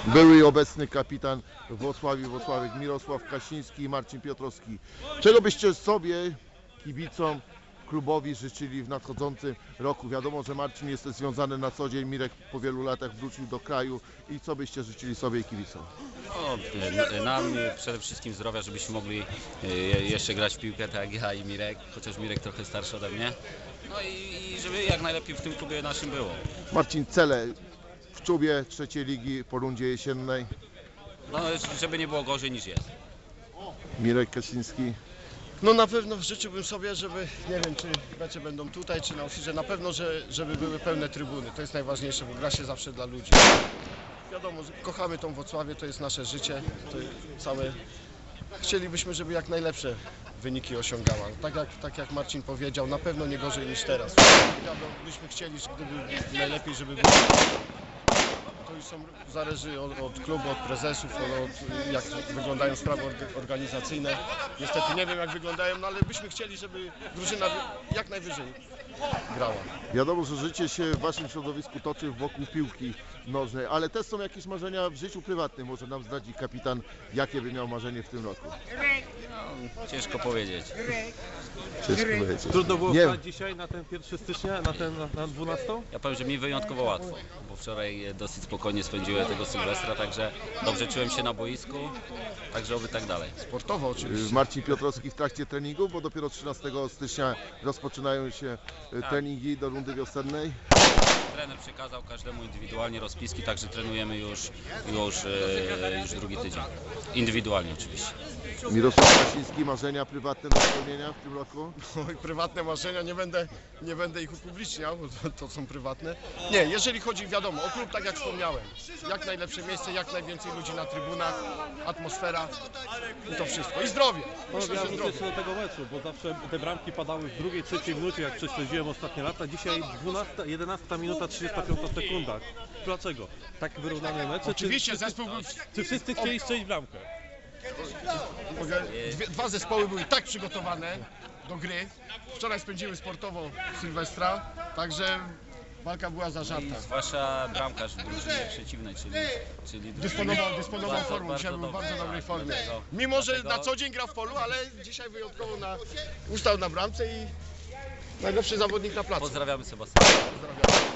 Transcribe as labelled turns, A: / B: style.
A: Były i obecny kapitan Włocławek Mirosław Kasiński i Marcin Piotrowski. Czego byście sobie, kibicom, klubowi życzyli w nadchodzącym roku? Wiadomo, że Marcin jest związany na co dzień, Mirek po wielu latach wrócił do kraju. I co byście życzyli sobie i kibicom?
B: No, nam przede wszystkim zdrowia, żebyśmy mogli jeszcze grać w piłkę tak jak ja i Mirek, chociaż Mirek trochę starszy ode mnie. No i żeby jak najlepiej w tym klubie naszym było.
A: Marcin, cele w czubie trzeciej ligi po rundzie jesiennej.
B: No, żeby nie było gorzej niż jest.
A: Mirek Kasiński.
C: No na pewno życzyłbym sobie, żeby, nie wiem czy mecze będą tutaj czy na Ofirze, na pewno, żeby były pełne trybuny. To jest najważniejsze, bo gra się zawsze dla ludzi. Wiadomo, że kochamy tą Włocławię, to jest nasze życie, to całe. Chcielibyśmy, żeby jak najlepsze wyniki osiągała. Tak jak Marcin powiedział, na pewno nie gorzej niż teraz. Byśmy chcieli, gdyby najlepiej, żeby było. To już zależy od klubu, od prezesów, od jak wyglądają sprawy organizacyjne. Niestety nie wiem jak wyglądają, no ale byśmy chcieli, żeby drużyna jak najwyżej grała.
A: Wiadomo, że życie się w waszym środowisku toczy wokół piłki nożnej, ale też są jakieś marzenia w życiu prywatnym. Może nam zdradzi kapitan, jakie by miał marzenie w tym roku?
B: No, ciężko powiedzieć.
A: Ciężko powiedzieć.
D: Trudno było
A: Nie.
D: wstać dzisiaj na ten 1 stycznia, na 12?
B: Ja powiem, że mi wyjątkowo łatwo, bo wczoraj dosyć spokojnie spędziłem tego Sylwestra, także dobrze czułem się na boisku, także oby tak dalej.
C: Sportowo oczywiście.
A: Marcin Piotrowski w trakcie treningu, bo dopiero 13 stycznia rozpoczynają się treningi do rundy wiosennej.
B: Trener przekazał każdemu indywidualnie rozpiski, także trenujemy już drugi tydzień. Indywidualnie oczywiście.
A: Mirosław Kasiński, marzenia prywatne do spełnienia w tym roku?
C: Oj, prywatne marzenia, nie będę ich upubliczniał, bo to są prywatne. Nie, jeżeli chodzi, wiadomo, o klub, tak jak wspomniałem, jak najlepsze miejsce, jak najwięcej ludzi na trybunach, atmosfera i to wszystko. I zdrowie. Myślę,
D: Ja
C: że
D: wrócę
C: zdrowie.
D: jeszcze do tego meczu, bo zawsze te bramki padały w drugiej, trzeciej minucie, jak prześledziłem ostatnie lata. Dzisiaj 11 minuta 35 sekunda. Dlaczego? Tak wyrównane mecze?
C: Oczywiście zespół był...
D: Czy wszyscy chcieli strzelić bramkę?
C: Dwa zespoły były tak przygotowane do gry. Wczoraj spędziły sportowo Sylwestra, także walka była zażarta.
B: Zwłaszcza bramkarz w drużynie przeciwnej, czyli
C: Dysponował formą, dzisiaj był w bardzo dobrej formie. Mimo, że na co dzień gra w polu, ale dzisiaj wyjątkowo ustał na bramce i najlepszy zawodnik na placu.
B: Pozdrawiamy Sebastiana.
C: Pozdrawiam.